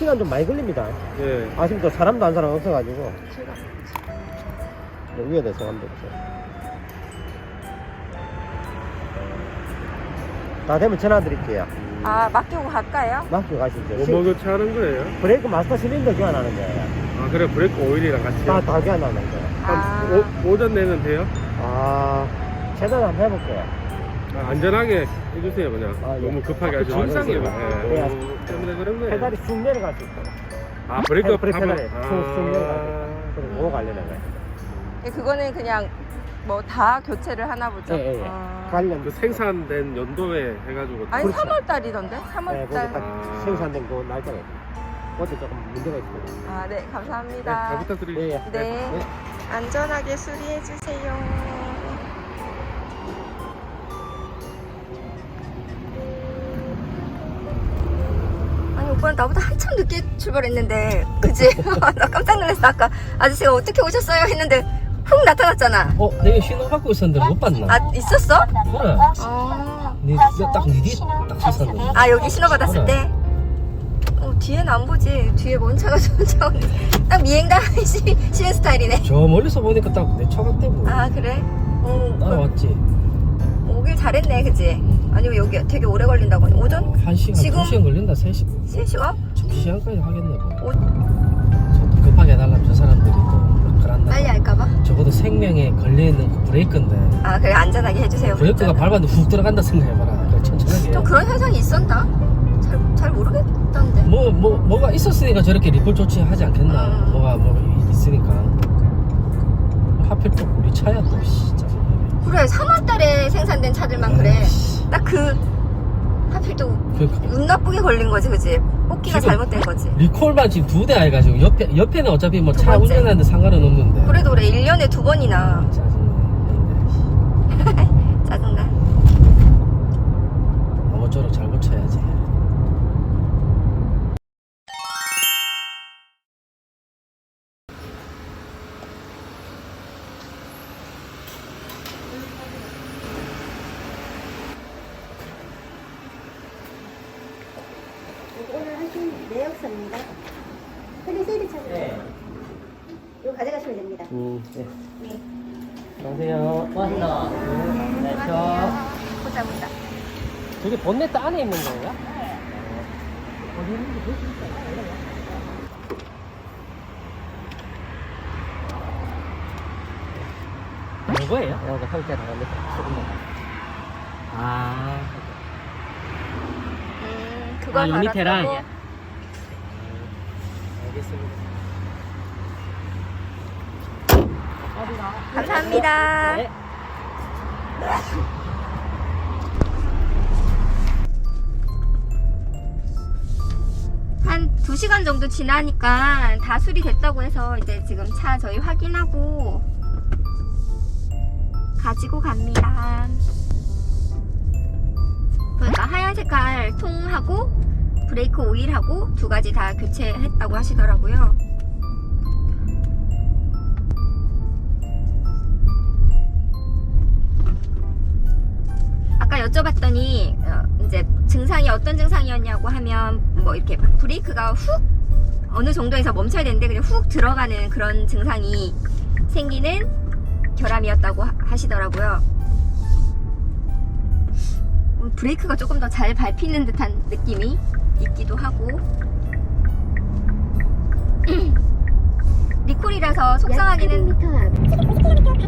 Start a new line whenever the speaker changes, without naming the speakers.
시간 좀 많이 걸립니다.
예.
아직도 사람도 한 사람 없어가지고. 위에 대해서 한번 보세요. 다 되면 전화 드릴게요.
아, 맡기고 갈까요?
맡기고 가시죠.
뭐 뭐그 하는 거예요?
브레이크 마스터 실린더 교환하는 거예요.
아 그래 브레이크 오일이랑 같이.
다 교환하는 거예요.
아.
오전 내는 돼요?
아, 최대한 한번 해볼게요.
아, 안전하게 해주세요 그냥.
아, 예.
너무 급하게 하지
아,
마세요.
예.
예. 때문에 그런 거예요.
페달이 쑥 내려갈 수 있어요.
아 브레이크
브레이크
밟아-
페달이 쑥 내려갈 수 있어요. 그리고 그거 관련된 거예요.
그거는 그냥 뭐 다 교체를 하나 보죠.
예, 예, 예.
아.
관련.
그 생산된 연도에 해가지고.
아니
그렇죠.
3월 달이던데? 3월
네,
달.
거기 딱 생산된 그 날짜가 있어요. 그것도 조금 문제가 있습니다.
아, 네,
네, 잘
감사합니다.
부탁드립니다.
네,
네. 안전하게 수리해 주세요. 아니 오빠는 나보다 한참 늦게 출발했는데, 그치? 나 깜짝 놀랐어. 아까 아저씨가 어떻게 오셨어요? 했는데 훅 나타났잖아.
내가 신호 받고 있었는데 못 봤나?
아, 있었어?
그래.
어.
딱 쳤었는데.
아, 여기 신호 받았을
그래.
때? 뒤에는 안 보지. 뒤에 뭔 차가 쫓아오는데. 딱 미행당 쉬는 스타일이네.
저 멀리서 보니까 딱 내 차 같대고.
아, 그래?
따라왔지.
오길 잘했네, 그치? 아니면 여기 되게 오래 걸린다고 하니. 오전?
1시간,
지금-
2시간 걸린다, 3시간.
3시간?
2시간까지 하겠네, 뭐.
오,
저도 급하게 해달라면 저 사람들이 또 그런다.
빨리 할까봐?
적어도 생명에 걸려있는 그 브레이크인데.
아, 그래, 안전하게 해주세요.
브레이크가
그랬잖아.
밟았는데 훅 들어간다 생각해봐라. 그래, 천천하게.
좀 그런 현상이 있었나? 잘 모르겠던데.
뭐가 있었으니까 저렇게 리콜 조치하지 않겠나. 뭐가 있으니까. 하필 또 우리 차야 또, 진짜.
그래, 3월 달에 생산된 차들만 그래. 딱 하필 또 운 나쁘게 걸린 거지, 그치? 뽑기가
지금-
잘못된 거지.
리콜만 지금 2대 해가지고 옆에는 어차피 뭐
두
차
번째.
운전하는데 상관은 없는데.
그래도 그래, 1년에 2번이나.
짜증나.
짜증나.
아무쪼록 잘 고쳐야지.
오늘 하신 내역서입니다. 텔레세일을 찾으세요.
네.
이거 가져가시면 됩니다.
네.
네.
안녕하세요. 고맙습니다. 네,
보자.
저게 본네트 안에 있는 거예요? 어디 있는지 볼 수 있어요? 이거예요? 여기 설계 나가는데 아,
그거
아, 요 밑에랑?
갈았고.
알겠습니다.
감사합니다.
네.
한 2시간 정도 지나니까 다 수리됐다고 해서 이제 지금 차 저희 확인하고 가지고 갑니다. 그러니까 하얀 색깔 통하고 브레이크 오일하고 2가지 다 교체했다고 하시더라고요. 아까 여쭤봤더니 이제 증상이 어떤 증상이었냐고 하면 뭐 이렇게 브레이크가 훅 어느 정도에서 멈춰야 되는데 그냥 훅 들어가는 그런 증상이 생기는 결함이었다고 하시더라고요. 브레이크가 조금 더 잘 밟히는 듯한 느낌이 있기도 하고 리콜이라서 속상하기는